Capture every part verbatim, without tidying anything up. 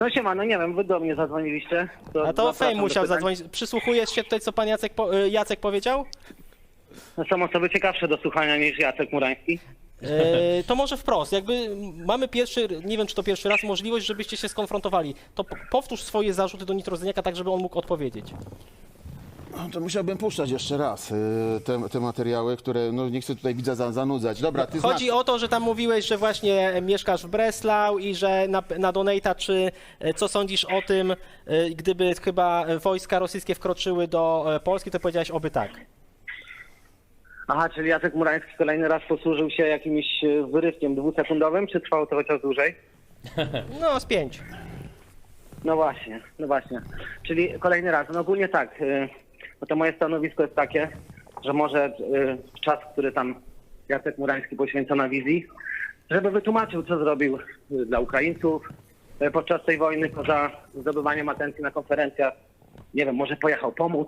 No siema, no nie wiem, wy do mnie zadzwoniliście. To A to zapraszam Fame do musiał pytań. zadzwonić. Przysłuchujesz się tutaj, co pan Jacek, po, y, Jacek powiedział? No są osoby ciekawsze do słuchania niż Jacek Murański. E, to może wprost, jakby mamy pierwszy, nie wiem czy to pierwszy raz, możliwość, żebyście się skonfrontowali. To p- powtórz swoje zarzuty do Nitrozyniaka tak, żeby on mógł odpowiedzieć. No to musiałbym puszczać jeszcze raz y, te, te materiały, które no nie chcę tutaj widza za, zanudzać. Dobra, ty Chodzi znasz. o to, że tam mówiłeś, że właśnie mieszkasz w Breslau i że na, na Donata, czy e, co sądzisz o tym, e, gdyby chyba wojska rosyjskie wkroczyły do e, Polski, to powiedziałeś oby tak. Aha, czyli Jacek Murański kolejny raz posłużył się jakimś e, wyrywkiem dwusekundowym, czy trwało to chociaż dłużej? No, z pięć. No właśnie, no właśnie. Czyli kolejny raz. No ogólnie tak, y, no to moje stanowisko jest takie, że może y, czas, który tam Jacek Murański poświęca na wizji, żeby wytłumaczył, co zrobił y, dla Ukraińców y, podczas tej wojny, poza zdobywaniem atencji na konferencjach. Nie wiem, może pojechał pomóc,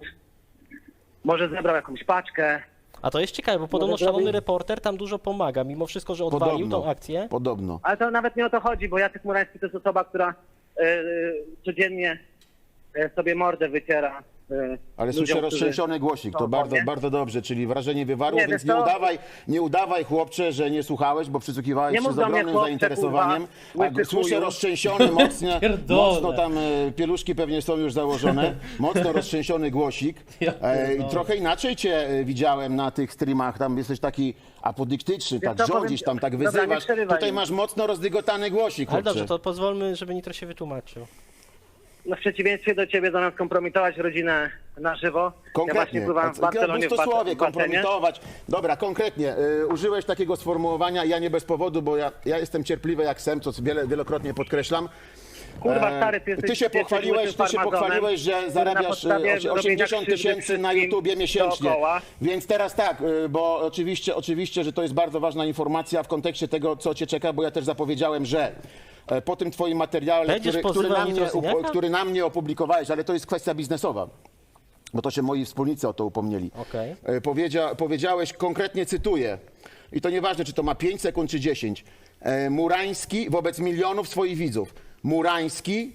może zebrał jakąś paczkę. A to jest ciekawe, bo podobno Może szalony zrobi- reporter tam dużo pomaga, mimo wszystko, że odwalił Podobno, tą akcję. podobno. Ale to nawet nie o to chodzi, bo Jacek Murański to jest osoba, która y, y, codziennie y, sobie mordę wyciera. y, Ale ludziom, słyszę którzy roztrzęsiony głosik, to są bardzo, obok, bardzo dobrze, czyli wrażenie wywarło, Nie, więc wiesz nie co? udawaj, nie udawaj chłopcze, że nie słuchałeś, bo przysłuchiwałeś Nie się mów z do mnie, ogromnym chłopcze, zainteresowaniem. kurwa, A łysy słyszę chuju. roztrzęsiony, mocno, Pierdolę. mocno tam e, pieluszki pewnie są już założone, mocno roztrzęsiony głosik. Ja E, pierdolę. trochę inaczej cię e, widziałem na tych streamach, tam jesteś taki apodyktyczny, tak co, powiem rządzisz, ci- tam tak Dobra, nie wyzywasz. przerywaj Tutaj mi. masz mocno rozdygotany głosik, Ale chłopcze. dobrze, to pozwólmy, żeby Nitro się wytłumaczył. No w przeciwieństwie do ciebie zamiast kompromitować rodzinę na żywo, ja właśnie Konkretnie. pływałem w A, Barcelonie w, to bas- słowie, w basenie. kompromitować. Dobra, konkretnie. Y, użyłeś takiego sformułowania, ja nie bez powodu, bo ja, ja jestem cierpliwy jak sem, co wiele, wielokrotnie podkreślam. Kurwa E, stary, ty jesteś... ty się jesteś pochwaliłeś, łysym ty się farmazonem, pochwaliłeś, że który na zarabiasz podstawie e, osie- robienia osiemdziesiąt krzywdy tysięcy na wszystkim YouTubie miesięcznie. dookoła. Więc teraz tak, y, bo oczywiście, oczywiście, że to jest bardzo ważna informacja w kontekście tego, co cię czeka, bo ja też zapowiedziałem, że e, po tym twoim materiale, Będziesz który, który, pozywał na mnie, Nitrozyniaka? upo- który na mnie opublikowałeś, ale to jest kwestia biznesowa. Bo to się moi wspólnicy o to upomnieli. Okej. E, Powiedzia, powiedziałeś, konkretnie cytuję, i to nieważne, czy to ma pięć sekund, czy dziesięć. E, Murański wobec milionów swoich widzów. Murański,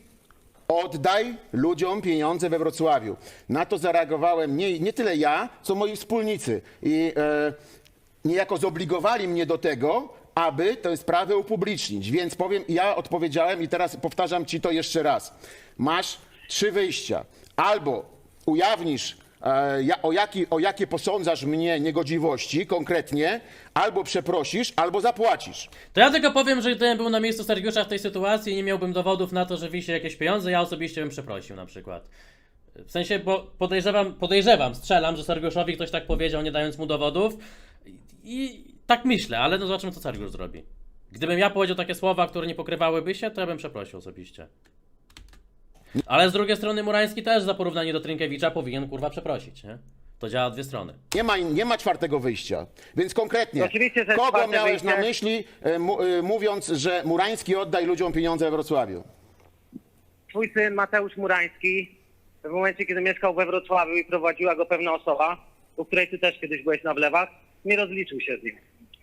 oddaj ludziom pieniądze we Wrocławiu. Na to zareagowałem nie, nie tyle ja, co moi wspólnicy. I e, niejako zobligowali mnie do tego, aby tę sprawę upublicznić. Więc powiem, ja odpowiedziałem i teraz powtarzam ci to jeszcze raz. Masz trzy wyjścia. Albo ujawnisz, e, ja, o, jaki, o jakie posądzasz mnie niegodziwości konkretnie, albo przeprosisz, albo zapłacisz. To ja tylko powiem, że gdybym był na miejscu Sergiusza w tej sytuacji i nie miałbym dowodów na to, że wisi jakieś pieniądze, ja osobiście bym przeprosił na przykład. W sensie, bo podejrzewam, podejrzewam, strzelam, że Sergiuszowi ktoś tak powiedział, nie dając mu dowodów. I, i tak myślę, ale no zobaczymy, co Sergiusz zrobi. Gdybym ja powiedział takie słowa, które nie pokrywałyby się, to ja bym przeprosił osobiście. Ale z drugiej strony Murański też za porównanie do Trynkiewicza powinien kurwa przeprosić, nie? To działa w dwie strony. Nie ma, nie ma czwartego wyjścia. Więc konkretnie, Oczywiście, że kogo czwarte miałeś na wyjście- myśli, e, mu, e, mówiąc, że Murański oddaj ludziom pieniądze we Wrocławiu? Twój syn Mateusz Murański, w momencie, kiedy mieszkał we Wrocławiu i prowadziła go pewna osoba, u której ty też kiedyś byłeś na wlewach, nie rozliczył się z nim.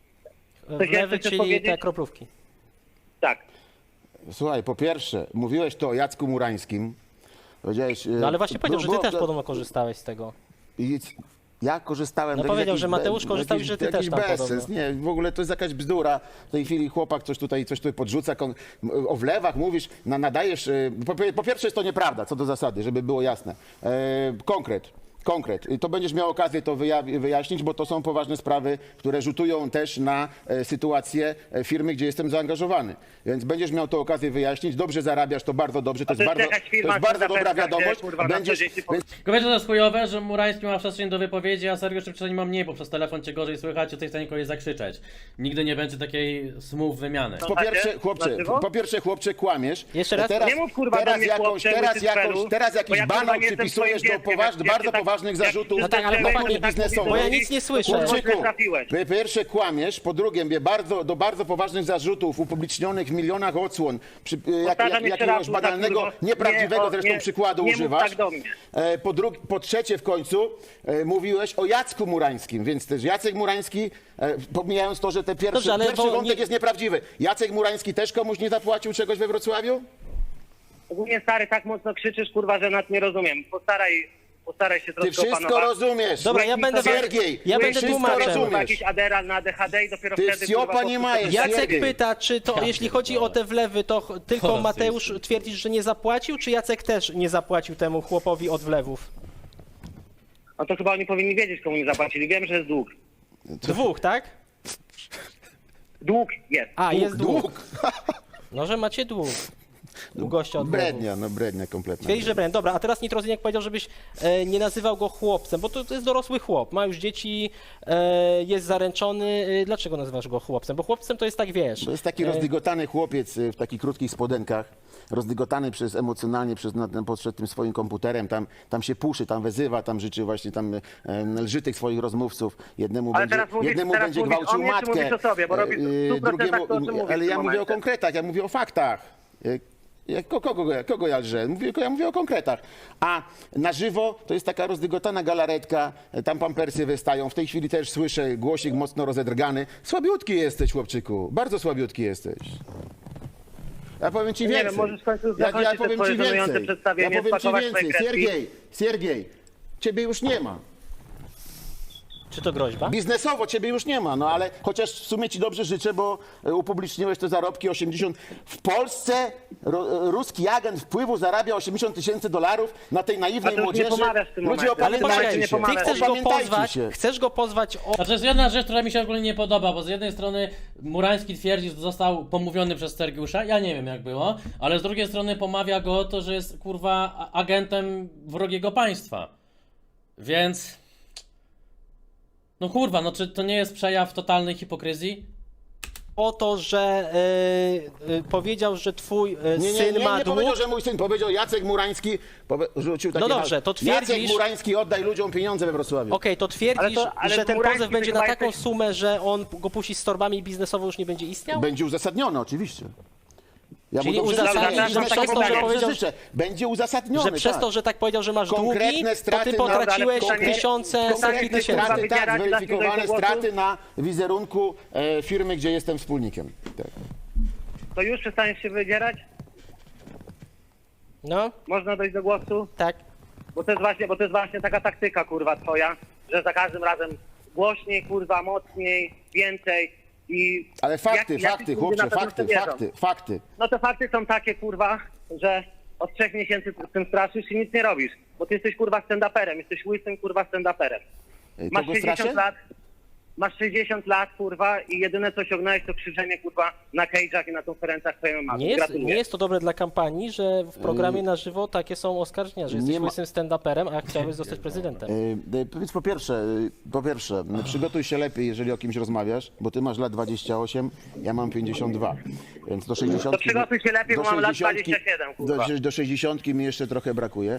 Coś Wlewy, jeszcze chcesz czyli powiedzieć? te kroplówki. Tak. Słuchaj, po pierwsze, mówiłeś to o Jacku Murańskim. Powiedziałeś, e, No ale właśnie powiedział, że ty było- też podobno korzystałeś z tego. I ja korzystałem... No to jest powiedział, jakiś że Mateusz be- korzystał i jakiś- że ty jakiś też tam bezsens. podobno. Nie, w ogóle to jest jakaś bzdura. W tej chwili chłopak coś tutaj, coś tutaj podrzuca. Kon- o wlewach mówisz, na, nadajesz... e, Po, po pierwsze jest to nieprawda, co do zasady, żeby było jasne. E, konkret. Konkret. I to będziesz miał okazję to wyja- wyjaśnić, bo to są poważne sprawy, które rzutują też na e, sytuację e, firmy, gdzie jestem zaangażowany. Więc będziesz miał to okazję wyjaśnić. Dobrze zarabiasz, to bardzo dobrze. To jest to jest bardzo, jakaś to firma, jest bardzo która dobra zapewnia, wiadomość. gdzie, kurwa, na Będziesz, co dzień się po- więc Tylko wiecie, co jest chujowe, że Murański ma przestrzeń do wypowiedzi, a Sergiusz przynajmniej ma mniej, bo przez telefon cię gorzej słychać, jesteś w stanie kogoś zakrzyczeć. Nigdy nie będzie takiej smooth wymiany. Po pierwsze, Macie? chłopcze, Na żywo? po pierwsze, chłopcze, kłamiesz. Jeszcze raz? Teraz, Nie mów, kurwa, teraz do mnie, jakąś, chłopcze, teraz, łysy jakąś, cfelu, teraz bo jakiś ja, kurwa, banał nie jestem przypisujesz twoim do dzieckiem, poważ, jak- jak bardzo się tak- poważnych jak zarzutów. się No tak, ale zaczęło, chłopaki, że tak biznesowych. Bo ja mówisz, nic nie to słyszę. kurwa, Chłopczyku, źle trafiłeś. po pierwsze kłamiesz, po drugie mnie bardzo, do bardzo poważnych zarzutów upublicznionych w milionach odsłon, przy, jak, Powtarzam jak, jeszcze jakiegoś raz, banalnego, kurwa, nieprawdziwego nie, o, zresztą nie, przykładu nie mów używasz. tak do mnie. E, Po, drugi, po trzecie w końcu e, mówiłeś o Jacku Murańskim, więc też Jacek Murański, e, pomijając to, że ten pierwszy, Dobrze, ale pierwszy bo wątek nie- jest nieprawdziwy. Jacek Murański też komuś nie zapłacił czegoś we Wrocławiu? ogólnie stary, tak mocno krzyczysz, kurwa, że nas nie rozumiem. Postaraj, postaraj się Ty troszkę wszystko opanować. rozumiesz. Dobra, ja będę... Siergiej, ja ty będę wszystko tłumaczem. rozumiesz. Kurwa, jakiś Adderall na A D H D i dopiero Ty wtedy... wsiopa kurwa, nie po- majesz. Jacek Siergiej. pyta, czy to, jeśli chodzi o te wlewy, to ch- tylko O, Mateusz ty. twierdzisz, że nie zapłacił, czy Jacek też nie zapłacił temu chłopowi od wlewów? No to chyba oni powinni wiedzieć, komu nie zapłacili. Wiem, że jest dług. Dwóch, tak? Dług jest. A, jest dług. Dług. No, że macie dług. U gościa od wlewów. Brednia, no brednia kompletna. Twierdzi, że brand. Dobra, a teraz Nitrozyniak powiedział, żebyś e, nie nazywał go chłopcem, bo to, to jest dorosły chłop, ma już dzieci, e, jest zaręczony. E, dlaczego nazywasz go chłopcem? Bo chłopcem to jest tak, wiesz... To jest taki e, rozdygotany chłopiec y, w takich krótkich spodenkach, rozdygotany przez emocjonalnie przez na, na, przed tym swoim komputerem, tam, tam się puszy, tam wezywa, tam życzy właśnie, tam e, lży tych swoich rozmówców. Jednemu Ale będzie, teraz mówisz- jednemu teraz będzie mówisz gwałcił o mnie, czy matkę, mówisz o sobie? Bo robisz w e, stu procentach drugiemu, to, o czym mówisz ale w ja tym mówię o momencie. konkretach, ja mówię o faktach. E, Ja, ko- kogo, kogo ja lżę? Mówię, ja mówię o konkretach. A na żywo to jest taka rozdygotana galaretka, tam pampersy wystają. W tej chwili też słyszę głosik mocno rozedrgany. Słabiutki jesteś, chłopczyku. Bardzo słabiutki jesteś. Ja powiem ci Nie więcej. wiem, możesz w końcu ja, zakończyć ja te powiem swoje ci żenujące więcej. Ja przedstawienie, powiem ci spakować swoje więcej. kredki. Siergiej, Siergiej, ciebie już nie ma. Czy to groźba? Biznesowo ciebie już nie ma, no ale chociaż w sumie ci dobrze życzę, bo e, upubliczniłeś te zarobki osiemdziesiąt. W Polsce ro, ruski agent wpływu zarabia osiemdziesiąt tysięcy dolarów na tej A naiwnej to już nie młodzieży. pomawiasz w tym Ludzie, momencie. Ale opamiętajcie poczekaj, nie się. ty pomawiasz. chcesz go Opamiętajcie pozwać, się. chcesz go pozwać o... Znaczy jest jedna rzecz, która mi się ogólnie nie podoba, bo z jednej strony Murański twierdzi, że został pomówiony przez Sergiusza, ja nie wiem jak było, ale z drugiej strony pomawia go o to, że jest kurwa a- agentem wrogiego państwa. Więc... No kurwa, no czy to nie jest przejaw totalnej hipokryzji? o to, że y, y, powiedział, że twój y, Nie, nie, syn nie, ma nie dług. powiedział, że mój syn, powiedział Jacek Murański, powie, rzucił takie No dobrze, hasło. to twierdzisz- Jacek Murański, oddaj ludziom pieniądze we Wrocławiu. Okej, to twierdzisz, Ale to- ale że ten Murański pozew będzie to na chyba taką jesteś- sumę, że on go puści z torbami i biznesowo już nie będzie istniał? Będzie uzasadnione, oczywiście. Ja Czyli dobrze uzasadnisz, życzę, że biznesowo przez to, że dobrze powiedział- życzę. Będzie uzasadnione, Że przez tak. to, że tak powiedział, że masz Konkretne długi, to straty ty na- potraciłeś konkretne- tysiące, setki Konkretne tysięcy. straty, tak, Wybierać, zweryfikowane dać mi dojść do straty na wizerunku e, firmy, gdzie jestem wspólnikiem. Tak. To już przestaniesz się wydzierać? No, Można dojść do głosu? tak. Bo to jest właśnie, bo to jest właśnie taka taktyka, kurwa, twoja, że za każdym razem głośniej, kurwa, mocniej, więcej i... Ale fakty, jak- jacyś fakty, ludzie chłopcze, na pewno fakty, w to wierzą. fakty, fakty. No to fakty są takie, kurwa, że od trzech miesięcy z tym straszysz i nic nie robisz. Bo ty jesteś, kurwa, stand-uperem, jesteś łysym, kurwa, stand-uperem. E, Masz Kogo straszę? sześćdziesiąt lat, masz sześćdziesiąt lat, kurwa, i jedyne co osiągnąłeś to krzyczenie, kurwa, na cage'ach i na konferencjach twojej mamy. Nie jest, Gratuluję. nie jest to dobre dla kampanii, że w programie na żywo takie są oskarżenia, że jesteś nie ma- łysym stand-uperem, a chciałbyś zostać prezydentem. E, e, Powiedz po pierwsze, e, po pierwsze, m, przygotuj się lepiej, jeżeli o kimś rozmawiasz, bo ty masz lat dwadzieścia osiem, ja mam pięćdziesiąt dwa, więc do sześćdziesiątki... To przygotuj się lepiej, do bo mam lat sześćdziesiątki dwadzieścia siedem, kurwa. Do, do sześćdziesiątki mi jeszcze trochę brakuje.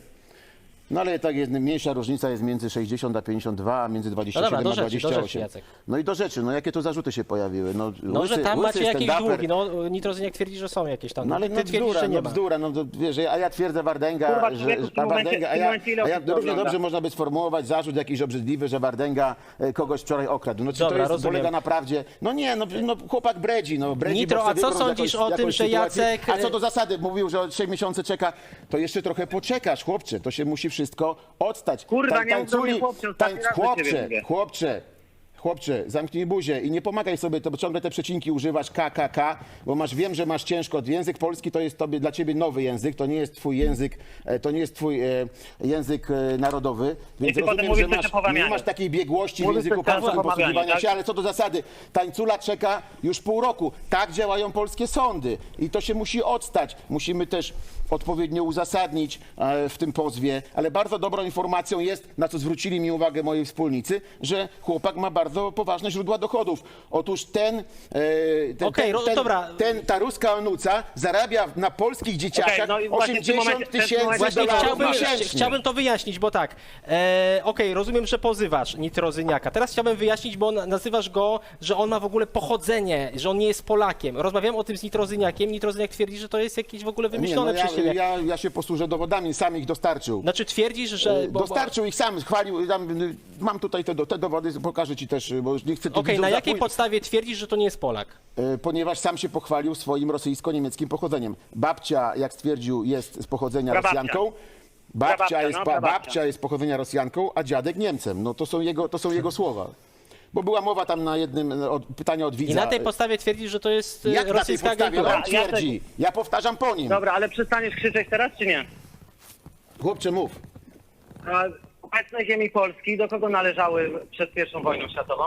No ale tak jest, mniejsza różnica jest między sześćdziesiąt a pięćdziesiąt dwa, a między dwadzieścia No siedem dobra, do a rzeczy, do dwadzieścia rzeczy, osiem. Jacek. No i do rzeczy, no jakie tu zarzuty się pojawiły? No, No, łysy, że tam łysy macie jakieś stand-uper. długi, no Nitrozyniak twierdzi, że są jakieś tam. No ale Ty no twierdzisz, bzdura, że nie no ma. bzdura, no to wiesz, a ja twierdzę Wardęga, Kurwa, że, człowieku, w tym a momencie- Wardęga, w a tym ja, momencie ile a ja osób to równie ogląda? dobrze można by sformułować zarzut jakiś obrzydliwy, że Wardęga e, kogoś wczoraj okradł. No czy Dobra, to jest, rozumiem. polega na prawdzie? No nie, no, no chłopak bredzi, no bredzi. Nitro, bo a chce co wybrnąć sądzisz jakąś- o tym, jakąś że sytuację. Jacek- A co do zasady, mówił, że od trzech miesięcy czeka, to jeszcze trochę poczekasz, chłopcze, to się musi wszystko odstać. Kurwa, Tań- nie mów do mnie, tańculi- chłopcze, ostatni tań- raz do ciebie Chłopcze, mówię. chłopcze, chłopcze, zamknij buzię i nie pomagaj sobie, to bo ciągle te przecinki używasz K, K, K, bo masz, wiem, że masz ciężko. Język polski to jest tobie, dla ciebie nowy język, to nie jest twój język, e, to nie jest twój e, język e, narodowy, więc ty potem rozumiem, mówisz że coś masz, o pomawianiu. nie masz takiej biegłości w Mówisz języku coś często polskim o pomawianiu, posługiwania tak? się, ale co do zasady, tańcula czeka już pół roku. Tak działają polskie sądy i to się musi odstać. Musimy też odpowiednio uzasadnić e, w tym pozwie, ale bardzo dobrą informacją jest, na co zwrócili mi uwagę moi wspólnicy, że chłopak ma bardzo poważne źródła dochodów. Otóż ten, e, ten, Okej, ten, ro- ten, dobra. ten ta ruska onuca zarabia na polskich dzieciakach Okej, no i właśnie w tym osiemdziesiąt momencie- w tym tysięcy momencie Właśnie dolarów chciałbym, miesięcznie. chciałbym to wyjaśnić, bo tak, e, okej, rozumiem, że pozywasz Nitrozyniaka. Teraz chciałbym wyjaśnić, bo na- nazywasz go, że on ma w ogóle pochodzenie, że on nie jest Polakiem. Rozmawiałem o tym z Nitrozyniakiem, Nitrozyniak twierdzi, że to jest jakieś w ogóle Nie, wymyślone no ja, przez ciebie. ja, ja się posłużę dowodami, sam ich dostarczył. Znaczy twierdzisz, że... Bo, bo, Dostarczył ich sam, chwalił, tam, y, mam tutaj te, do- te dowody, pokażę ci też wiesz, bo już nie chcę tu Okej, widzów na jakiej zapój- podstawie twierdzisz, że to nie jest Polak? E, ponieważ sam się pochwalił swoim rosyjsko-niemieckim pochodzeniem. Babcia, jak stwierdził, jest z pochodzenia Prababcia. Rosjanką. Babcia, Prababcia, jest, no, pa, prababcia. babcia jest z pochodzenia Rosjanką, a dziadek Niemcem. No to są jego, to są jego słowa. Bo była mowa tam na jednym od, pytania od widza. I na tej podstawie twierdzisz, że to jest e, Jak na tej rosyjska podstawie agentura? on twierdzi? Ja powtarzam po nim. Dobra, ale przestaniesz krzyczeć teraz, czy nie? Chłopcze, mów. A obecne ziemi Polski do kogo należały przed pierwszą wojną światową?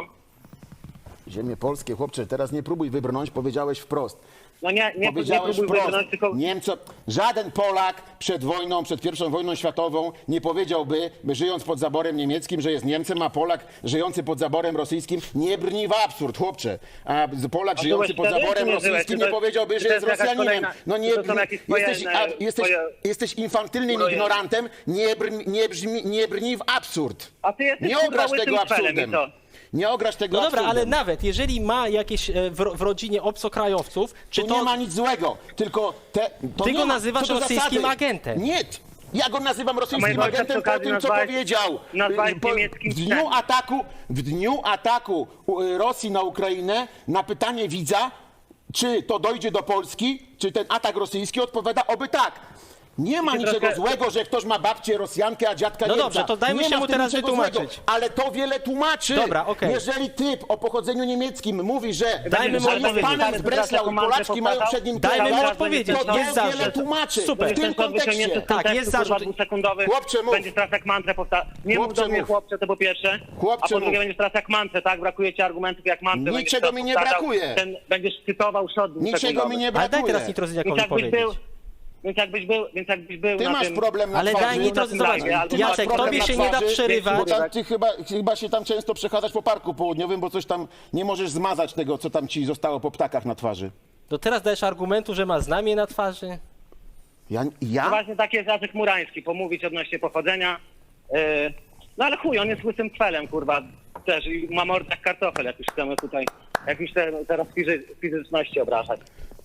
Ziemie polskie, chłopcze, teraz nie próbuj wybrnąć, powiedziałeś wprost. No nie, nie, nie Powiedziałeś próbuj wprost, wybrnąć, tylko... Niemco, żaden Polak przed wojną, przed pierwszą wojną światową nie powiedziałby, by żyjąc pod zaborem niemieckim, że jest Niemcem, a Polak żyjący pod zaborem rosyjskim nie brni w absurd, chłopcze. A Polak A żyjący byłeś pod wtedy, zaborem czy nie byłeś? rosyjskim Czy to- nie powiedziałby, czy że to jest jest jakaś Rosjaninem. kolejna- No nie, czy to są jakieś swoje, jesteś, e, a, jesteś, swoje- jesteś infantylnym swoje- ignorantem, nie, brni, nie, brzmi, nie brni w absurd. A ty jesteś, Nie kurwa, ograsz łysym tego szpelem i absurdem. co? Nie ograsz tego No dobra, ale absurdem. nawet jeżeli ma jakieś e, w, ro- w rodzinie obcokrajowców, czy Tu to... nie ma nic złego, tylko te, to Ty nie go ma, nazywasz co do rosyjskim zasady. agentem. Nie, ja go nazywam rosyjskim mojego ojca agentem przy po okazji tym, co nazwałeś- powiedział. nazwałeś Po- niemieckim w dniu psem. ataku, w dniu ataku y, Rosji na Ukrainę na pytanie widza, czy to dojdzie do Polski, czy ten atak rosyjski, odpowiada oby tak. Nie ma Ty niczego troszkę- złego, że ktoś ma babcię Rosjankę, a dziadka No Niemca. dobrze, to dajmy Nie się ma mu w tym teraz niczego wytłumaczyć. złego, ale to wiele tłumaczy. Dobra, okej. Jeżeli typ o pochodzeniu niemieckim mówi, że Dajmy mu że jest odpowiedzieć. panem z Breslau i Polaczki mają przed nim Dajmy mu kierować, odpowiedzieć. to Jest to zarzut. wiele tłumaczy. Super. W tym kontekście. Tak, jest zarzut. dwusekundowy. Chłopcze, mów. Będziesz teraz jak mantrę powtarzać. Nie mów Chłopcze, do mnie mów. chłopcze, to po pierwsze. Chłopcze, a po drugie mów. będziesz teraz jak mantrę, tak? Brakuje ci argumentów jak mantrę. będziesz Niczego teraz mi nie powtarzał. brakuje. Ten, będziesz cytował szot Niczego mi nie Ale daj brakuje. teraz Więc nitrozyniakowi jakbyś powiedzieć. był, więc jakbyś był, więc jakbyś był Ty na masz tym... problem na Ale twarzy. daj nitro, na tym zobacz, live'ie, albo masz Jacek, problem tobie na się nie da twarzy, przerywać. Bo tam, ty chyba, chyba się tam często przechadzasz po parku południowym, bo coś tam nie możesz zmazać tego, co tam ci zostało po ptakach na twarzy. To teraz dajesz argumentu, że ma znamie na twarzy? Ja? No ja? właśnie taki jest Jacek Murański, pomówić odnośnie pochodzenia. Yy, no ale chuj, on jest łysym kwelem, kurwa, też i ma mordę jak kartofel, jak już chcemy tutaj, jak już te, teraz fizy, fizyczności obrażać.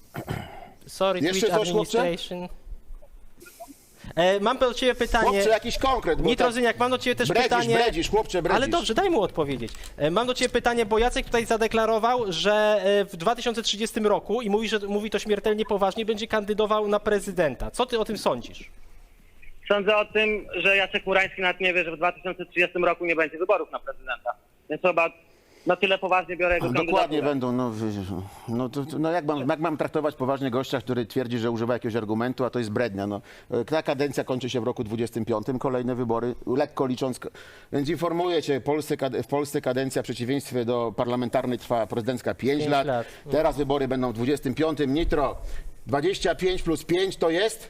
Sorry, Jeszcze Twitch coś, chłopcze? Administration. E, mam do ciebie pytanie. Chłopcze, jakiś konkret. bo Nitrozyniak, mam do ciebie też bredzisz, pytanie. bredzisz, chłopcze, bredzisz. Ale dobrze, daj mu odpowiedzieć. E, Mam do ciebie pytanie, bo Jacek tutaj zadeklarował, że e, w dwa tysiące trzydziestym roku, i mówi, że mówi to śmiertelnie poważnie, będzie kandydował na prezydenta. Co ty o tym sądzisz? Sądzę o tym, że Jacek Murański nawet nie wie, że w dwa tysiące trzydziestym roku nie będzie wyborów na prezydenta. Więc chyba na tyle poważnie biorę jego Dokładnie kandydaturę. będą. No, wy- no, to, to, no jak, mam, jak mam traktować poważnie gościa, który twierdzi, że używa jakiegoś argumentu, a to jest brednia. No. Ta kadencja kończy się w roku dwudziestym piątym, kolejne wybory, lekko licząc. Więc informuję cię, Polsce, kad- w Polsce kadencja w przeciwieństwie do parlamentarnej trwa prezydencka pięć Pięć lat. lat. Teraz wybory będą w dwudziestym piątym. Nitro, dwadzieścia pięć plus pięć to jest?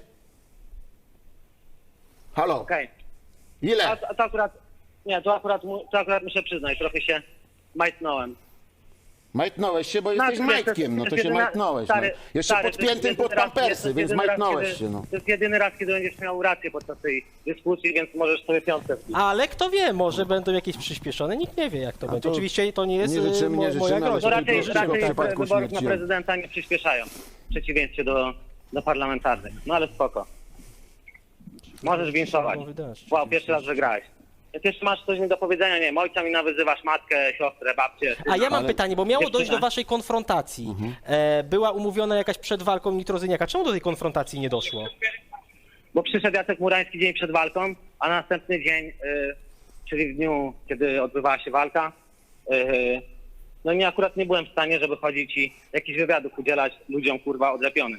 Halo, Okej. ile? A, a to akurat, nie, to akurat, mu- to akurat muszę przyznać, trochę się majtnąłem. Majtnąłeś się, bo No, jesteś to wiesz, to majtkiem, no jest to się jedyna- majtnąłeś. stary, no. Jeszcze stary, to jest podpiętym jedyny pod raz- to pampersy, jest więc jedyny raz, majtnąłeś kiedy- się. No. To jest jedyny raz, kiedy będziesz miał rację podczas tej dyskusji, więc możesz sobie piątkę wbić. Ale kto wie, może będą jakieś przyspieszone, nikt nie wie jak to będzie. to Oczywiście to nie jest nie życzymy, e, mo- nie życzymy, moja ale groźba. No to raczej, tylko w raczej przypadku wyborów na śmierci. prezydenta nie przyspieszają, w przeciwieństwie do, do parlamentarnych. No ale spoko. Możesz winszować. Wow, pierwszy raz wygrałeś. Jak jeszcze masz coś mi do powiedzenia, nie wiem, ojca mi nawyzywasz, matkę, siostrę, babcię. A ja mam Ale- pytanie, bo miało Dziewczyna. dojść do waszej konfrontacji. E, była umówiona jakaś przed walką Nitrozyniaka. Czemu do tej konfrontacji nie doszło? Bo przyszedł Jacek Murański dzień przed walką, a następny dzień, y, czyli w dniu, kiedy odbywała się walka, y, no nie, akurat nie byłem w stanie, żeby chodzić i jakichś wywiadów udzielać ludziom, kurwa, odlepionym.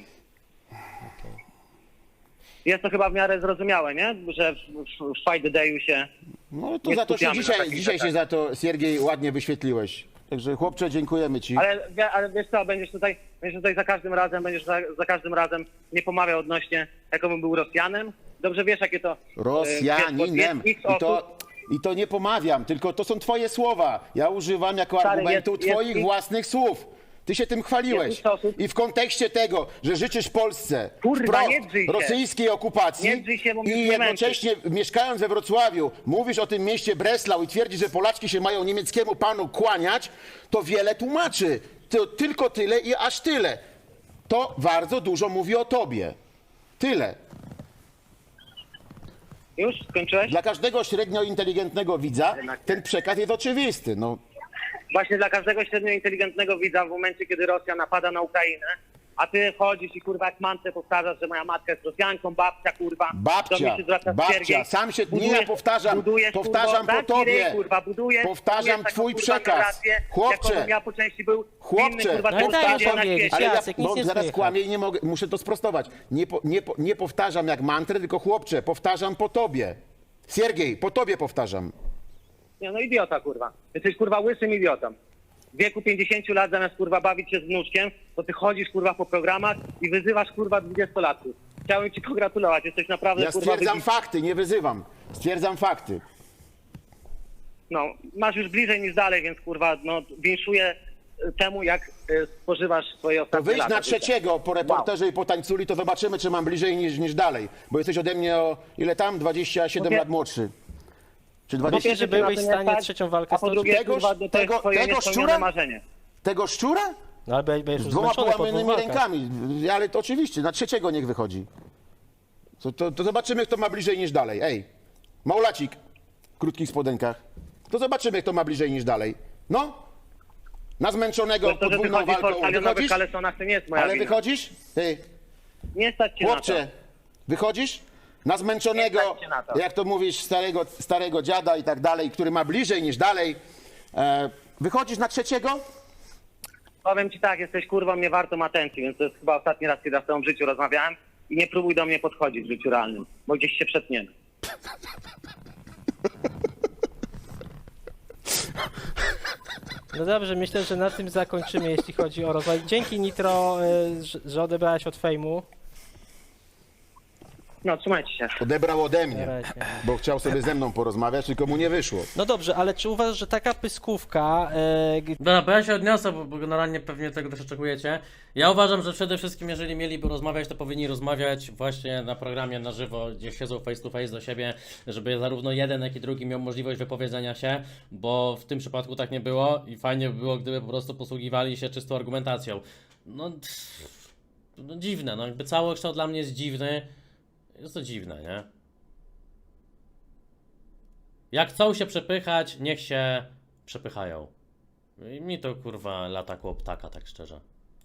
Jest to chyba w miarę zrozumiałe, nie? Że w, w, w Fight the Dayu się... No to Nie za to się skupiamy na dzisiaj, takich dzisiaj się rzeczach. za to, Siergiej, ładnie wyświetliłeś. Także chłopcze, dziękujemy ci. Ale, wie- ale wiesz co, będziesz tutaj, będziesz tutaj za każdym razem, będziesz za, za każdym razem nie pomawiał odnośnie, jakobym był Rosjanem. Dobrze wiesz, jakie to... y, Rosjaninem. jest- jest I osób- to, I to nie pomawiam, tylko to są twoje słowa. Ja używam jako Stary, argumentu jest- jest twoich ich- własnych słów. Ty się tym chwaliłeś. Jest ich osób- I w kontekście tego, że życzysz Polsce Kurwa, wprost nie drzyj się. rosyjskiej okupacji Nie drzyj się, bo mnie i nie jednocześnie mieszkając we Wrocławiu mówisz o tym mieście Breslau i twierdzisz, że Polaczki się mają niemieckiemu panu kłaniać, to wiele tłumaczy. To tylko tyle i aż tyle. To bardzo dużo mówi o tobie. Tyle. Już? Skończyłeś? Dla każdego średnio inteligentnego widza Jednak nie. ten przekaz jest oczywisty. No, właśnie dla każdego średnio inteligentnego widza w momencie, kiedy Rosja napada na Ukrainę, a ty chodzisz i kurwa jak mantrę powtarzasz, że moja matka jest Rosjanką, babcia kurwa. do Babcia, mnie się zwraca babcia, Siergiej. sam się, nie Budujesz- ja powtarzam, budujesz, powtarzam kurwa, po taki tobie, ryj, kurwa, budujesz, powtarzam budujesz taką, twój kurwa, przekaz, narrację, chłopcze, jakobym ja po części był chłopcze, inny, kurwa, No i człowiek daj na powiedzieć, świecie. ale ja Jacek, nic bo nie zaraz słychać. kłamię i nie mogę, muszę to sprostować. Nie, po, nie, po, nie powtarzam jak mantrę, tylko chłopcze, powtarzam po tobie. Siergiej, po tobie powtarzam. Nie, no idiota, kurwa. Jesteś, kurwa, łysym idiotą. W wieku pięćdziesięciu lat zamiast, kurwa, bawić się z wnuczkiem, to ty chodzisz, kurwa, po programach i wyzywasz, kurwa, dwudziestolatków. Chciałem ci pogratulować, jesteś naprawdę, Ja kurwa, stwierdzam wybitny. fakty, nie wyzywam. Stwierdzam fakty. No, masz już bliżej niż dalej, więc, kurwa, no, winszuję y, temu, jak y, spożywasz swoje To ostatnie wyjdź lata na życia. trzeciego po reporterze i po tańculi, to zobaczymy, czy mam bliżej niż, niż dalej. Bo jesteś ode mnie o ile tam? dwadzieścia siedem Mówię- lat młodszy. Czy Po dwadzieścia Myślisz, że pierwsze, byłeś na w to nie stanie stać, trzecią walkę a po stoczyć? drugie, Tegoż- kurwa, to jest tego- twoje tego niespełnione szczura? marzenie. Tego szczura? No ale będziesz Z już dwoma zmęczony po dwóch połamanymi walkach. rękami. Ale to oczywiście, na trzeciego niech wychodzi. To, to, to zobaczymy, kto ma bliżej niż dalej. Ej, Małolacik w krótkich spodenkach. To zobaczymy, kto ma bliżej niż dalej. No, na zmęczonego To, że podwójną wychodzisz po walką. stadionowych Wychodzisz? kalesonach, to nie jest moja Ale wina. wychodzisz? Ej, Nie stać cię na chłopcze, to. wychodzisz? Na zmęczonego, Nie stać cię na to. jak to mówisz, starego, starego dziada i tak dalej, który ma bliżej niż dalej. E, wychodzisz na trzeciego? Powiem ci tak, jesteś kurwą niewartą atencji, więc to jest chyba ostatni raz, kiedy ja z tobą w życiu rozmawiałem i nie próbuj do mnie podchodzić w życiu realnym, bo gdzieś się przetniemy. No dobrze, myślę, że na tym zakończymy, jeśli chodzi o rozwój. Dzięki Nitro, y, że- że odebrałeś od fejmu. No, trzymajcie się. Odebrał ode Na mnie, razie. bo chciał sobie ze mną porozmawiać, tylko mu nie wyszło. No dobrze, ale czy uważasz, że taka pyskówka, y, g- Dobra, bo ja się odniosę, bo, bo generalnie pewnie tego też oczekujecie. Ja uważam, że przede wszystkim, jeżeli mieliby rozmawiać, to powinni rozmawiać właśnie na programie na żywo, gdzie siedzą face to face do siebie, żeby zarówno jeden, jak i drugi miał możliwość wypowiedzenia się, bo w tym przypadku tak nie było i fajnie by było, gdyby po prostu posługiwali się czystą argumentacją. No, pff, no dziwne, no jakby całokształt dla mnie jest dziwny. Jest to dziwne, nie? Jak chcą się przepychać, niech się przepychają. I mi to kurwa lata koło ptaka, tak szczerze.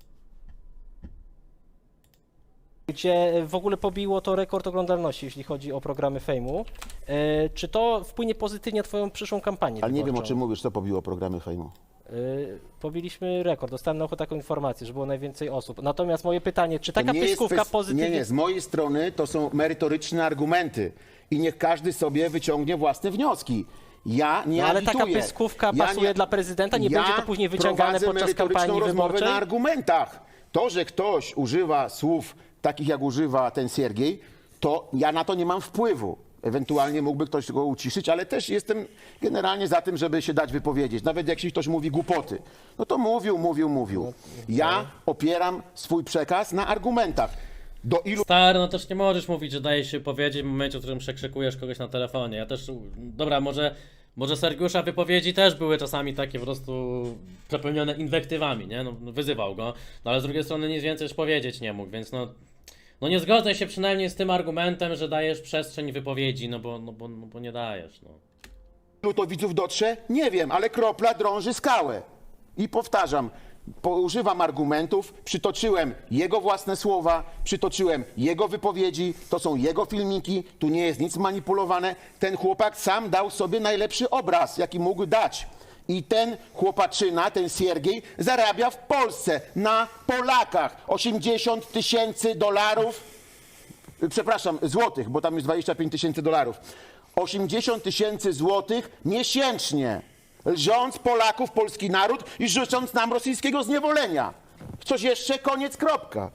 gdzie w ogóle pobiło to rekord oglądalności, jeśli chodzi o programy fejmu, y, czy to wpłynie pozytywnie na twoją przyszłą kampanię Ale nie wiem, o wyborczą? czym mówisz, co pobiło programy fejmu. Y, Pobiliśmy rekord, dostałem na ucho taką informację, że było najwięcej osób. Natomiast moje pytanie, czy To taka nie jest pyskówka kwest- pozytywnie... Nie, nie, z mojej strony to są merytoryczne argumenty i niech każdy sobie wyciągnie własne wnioski. Ja nie No, ale taka agituję. pyskówka Ja pasuje dla prezydenta? Nie będzie to później wyciągane prowadzę podczas merytoryczną kampanii rozmowę wyborczej? na argumentach. To, że ktoś używa słów takich, jak używa ten Siergiej, to ja na to nie mam wpływu. Ewentualnie mógłby ktoś go uciszyć, ale też jestem generalnie za tym, żeby się dać wypowiedzieć. Nawet jak ktoś mówi głupoty, no to mówił, mówił, mówił. Ja opieram swój przekaz na argumentach. Do ilu Stary, no też nie możesz mówić, że dajesz się powiedzieć w momencie, w którym przekrzykujesz kogoś na telefonie. Ja też, dobra, może, może Sergiusza wypowiedzi też były czasami takie po prostu przepełnione inwektywami, nie? No, wyzywał go, no ale z drugiej strony nic więcej już powiedzieć nie mógł, więc no, no nie zgodzę się przynajmniej z tym argumentem, że dajesz przestrzeń wypowiedzi, no bo, no bo, no bo nie dajesz, no. ilu to widzów dotrze? Nie wiem, ale kropla drąży skałę. I powtarzam, używam argumentów, przytoczyłem jego własne słowa, przytoczyłem jego wypowiedzi, to są jego filmiki, tu nie jest nic manipulowane. Ten chłopak sam dał sobie najlepszy obraz, jaki mógł dać. I ten chłopaczyna, ten Siergiej, zarabia w Polsce, na Polakach, osiemdziesiąt tysięcy dolarów, przepraszam, złotych, bo tam jest dwadzieścia pięć tysięcy dolarów. osiemdziesiąt tysięcy złotych miesięcznie, lżąc Polaków, polski naród i życząc nam rosyjskiego zniewolenia. Coś jeszcze? Koniec, kropka.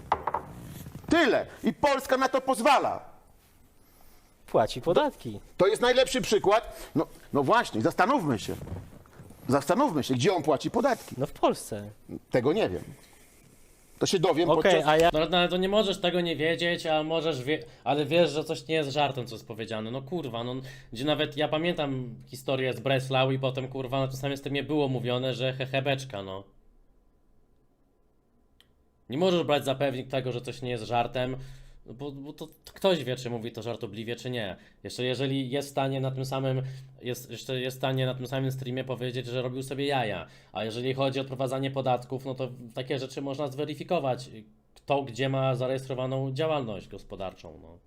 Tyle. I Polska na to pozwala. Płaci podatki. To jest najlepszy przykład. No, no właśnie, zastanówmy się. Zastanówmy się, gdzie on płaci podatki. No w Polsce. Tego nie wiem. To się dowiem Okej, podczas... a ja... No, no ale to nie możesz tego nie wiedzieć, a możesz wie... ale wiesz, że coś nie jest żartem, co jest powiedziane. No kurwa, no gdzie nawet ja pamiętam historię z Breslau i potem kurwa na tym samym streamie było mówione, że hehebeczka, no. Nie możesz brać za pewnik tego, że coś nie jest żartem. Bo, bo to, to ktoś wie, czy mówi to żartobliwie, czy nie. Jeszcze jeżeli jest w stanie na tym samym, jest, jeszcze jest w stanie na tym samym streamie powiedzieć, że robił sobie jaja. A jeżeli chodzi o odprowadzanie podatków, no to takie rzeczy można zweryfikować. Kto gdzie ma zarejestrowaną działalność gospodarczą. No.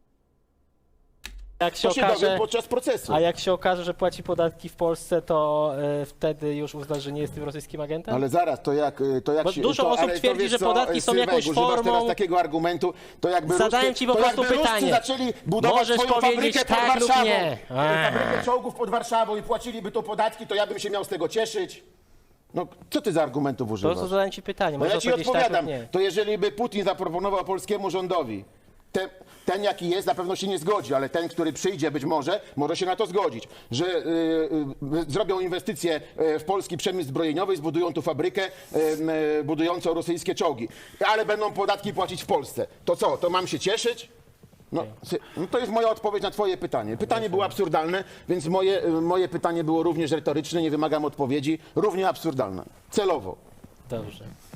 Jak się To się okaże, dowie podczas procesu. a jak się okaże, że płaci podatki w Polsce, to e, wtedy już uznasz, że nie jest tym rosyjskim agentem? Ale zaraz, to jak, to jak Bo się... dużo to, osób ale to twierdzi, wiesz że co, podatki są Sylwek, jakąś używasz formą- teraz takiego argumentu, to jakby Zadałem Ruscy, ci po to prostu jakby Ruscy pytanie. zaczęli budować Możesz swoją powiedzieć fabrykę pod tak lub Warszawą, nie. Eee. fabrykę czołgów pod Warszawą i płaciliby to podatki, to ja bym się miał z tego cieszyć. No, co ty za argumentów To używasz? co zadałem ci pytanie, No możesz ja ci powiedzieć tak odpowiadam, lub nie. to jeżeli by Putin zaproponował polskiemu rządowi, te, ten jaki jest, na pewno się nie zgodzi, ale ten, który przyjdzie być może, może się na to zgodzić, że y, y, zrobią inwestycje y, w polski przemysł zbrojeniowy, zbudują tu fabrykę y, y, budującą rosyjskie czołgi, ale będą podatki płacić w Polsce. To co, to mam się cieszyć? No, sy- no to jest moja odpowiedź na twoje pytanie. Pytanie było absurdalne, więc moje, y, moje pytanie było również retoryczne, nie wymagam odpowiedzi, równie absurdalne. Celowo. Dobrze.